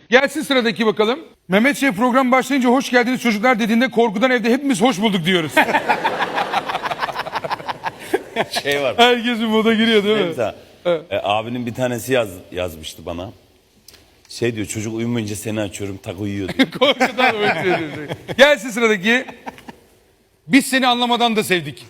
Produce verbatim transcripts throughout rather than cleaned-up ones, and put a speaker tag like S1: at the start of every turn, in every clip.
S1: Gelsin sıradaki bakalım. Mehmet Şef program başlayınca hoş geldiniz çocuklar dediğinde korkudan evde hepimiz hoş bulduk diyoruz.
S2: Şey var.
S1: Herkes bir moda giriyor değil mi?
S2: Mesela, e, abinin bir tanesi yaz, yazmıştı bana. Şey diyor, çocuk uyumayınca seni açıyorum, tak uyuyor diyor.
S1: Korkudan öyle diyor. Gelsin sıradaki. Biz seni anlamadan da sevdik.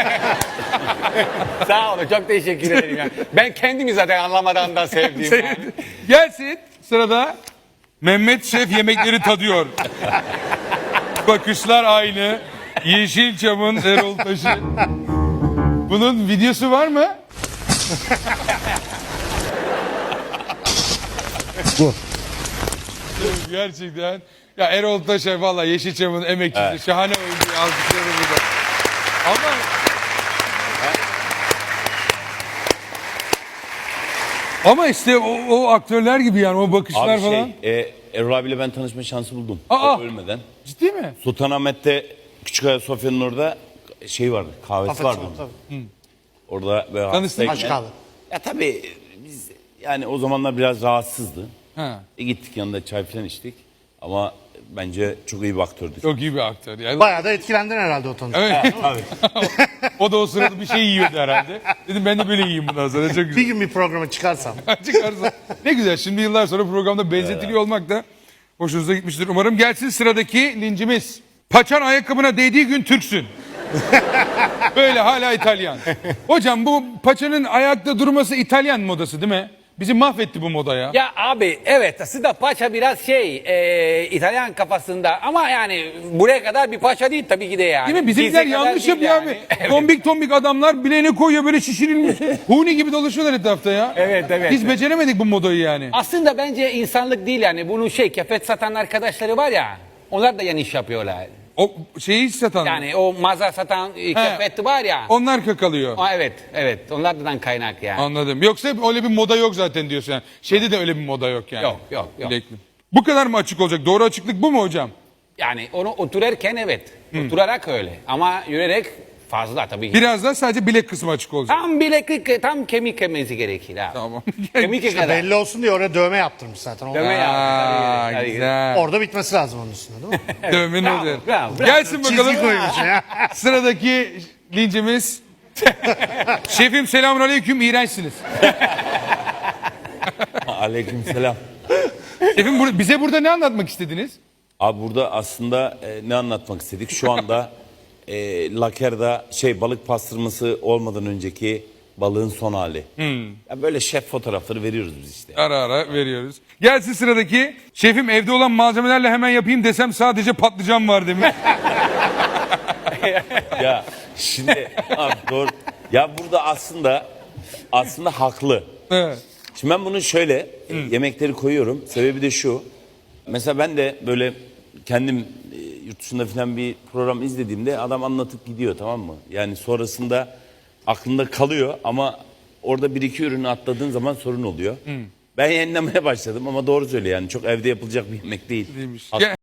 S3: Sağ olun, çok teşekkür ederim. Yani. Ben kendimi zaten anlamadan da sevdiğim. Yani.
S1: Gelsin sırada. Mehmet Şef yemekleri tadıyor. Bakışlar aynı. Yeşilçam'ın Erol Taş'ı. Bunun videosu var mı?
S4: Bu.
S1: Gerçekten. Ya Erol Taş'a valla Yeşilçam'ın emekçisi.
S2: Evet.
S1: Şahane oyuncu. Alkışlarım burada. Ama... Ama işte o, o aktörler gibi yani o bakışlar
S2: Abi
S1: falan.
S2: şey, e, Erol abiyle ben tanışma şansı buldum.
S1: Aa!
S2: O ölmeden.
S1: Ciddi mi?
S2: Sultanahmet'te Küçükaya Sofya'nın orada şey vardı, kahvesi
S4: Afet
S2: vardı.
S4: tabii, tabii.
S2: Orada böyle
S1: Tanıştın.
S2: hastayken-
S4: Aç kahve.
S2: Ya tabii biz yani o zamanlar biraz rahatsızdı.
S1: Ha.
S2: E gittik yanında çay falan içtik. Ama bence çok iyi bir aktördü.
S1: Çok iyi bir aktör. Yani,
S4: Bayağı da etkilendin herhalde o tanışma.
S1: evet. O da o sırada bir şey yiyordu herhalde. Dedim ben de böyle yiyeyim bundan sonra. Çok
S4: Bir
S1: güzel.
S4: gün bir programa çıkarsam.
S1: Çıkarsa. Ne güzel. Şimdi yıllar sonra programda benzetiliyor olmak da hoşunuza gitmiştir umarım. Gelsin sıradaki lincimiz. Paçan ayakkabına değdiği gün Türksün. Böyle hala İtalyan. Hocam bu paçanın ayakta durması İtalyan modası değil mi? Bizi mahvetti bu moda ya.
S3: Ya abi evet aslında paça biraz şey e, İtalyan kafasında ama yani buraya kadar bir paça değil tabii ki de yani.
S1: Değil mi? Bizimkiler
S3: Bize kadar
S1: yanlış
S3: değil
S1: yapıyor
S3: yani.
S1: abi.
S3: Evet.
S1: Tombik tombik adamlar bileğine koyuyor böyle şişirilmiş. Huni gibi dolaşıyorlar etrafta ya.
S3: Evet, evet,
S1: Biz
S3: evet.
S1: beceremedik bu modayı yani.
S3: Aslında bence insanlık değil yani bunu şey kefet satan arkadaşları var ya onlar da yanlış yapıyorlar.
S1: O şeyi satan.
S3: Yani o mağaza satan e, kefet var ya.
S1: Onlar kakalıyor.
S3: Aa, evet evet onlardan kaynak yani.
S1: Anladım. Yoksa öyle bir moda yok zaten diyorsun yani. Şeyde de öyle bir moda yok yani.
S3: Yok, yok, yok.
S1: Bilekli. Bu kadar mı açık olacak? Doğru açıklık bu mu hocam?
S3: Yani onu otururken evet. Oturarak öyle ama yürüyerek fazla tabii ki.
S1: Biraz da sadece bilek kısmı açık olacak.
S3: Tam bileklik tam kemik kemesi gerekir ha.
S1: Tamam.
S3: Kemik kadar.
S4: Belli olsun diye oraya dövme yaptırmış zaten. O-
S3: Dövme yaptı,
S1: Aa,
S3: tabii, tabii.
S1: güzel.
S4: Orada bitmesi lazım onun üstünde değil mi?
S1: Dövmenin
S3: Bravo,
S1: üzerine.
S3: bravo, bravo.
S1: Gelsin bakalım.
S4: Çizgi koymuş ya.
S1: Sıradaki lincimiz. Şefim selamünaleyküm iğrençsiniz.
S2: Aleykümselam.
S1: Şefim bur- bize burada ne anlatmak istediniz?
S2: Abi burada aslında e, ne anlatmak istedik? Şu anda e, Laker'da şey balık pastırması olmadan önceki balığın son hali. Ya böyle şef fotoğrafları veriyoruz biz işte.
S1: Ara ara veriyoruz. Gelsin sıradaki. Şefim evde olan malzemelerle hemen yapayım desem sadece patlıcan var demiş.
S2: Ya şimdi abi doğru. Ya burada aslında aslında haklı.
S1: Evet.
S2: Şimdi ben bunu şöyle e, yemekleri koyuyorum. Sebebi de şu. Mesela ben de böyle kendim e, yurt dışında falan bir program izlediğimde adam anlatıp gidiyor, tamam mı? Yani sonrasında aklında kalıyor ama orada bir iki ürünü atladığın zaman sorun oluyor. Ben yenilemeye başladım ama doğru söylüyor yani çok evde yapılacak bir yemek değil.
S1: Değilmiş.
S2: Haklı.
S1: Gel-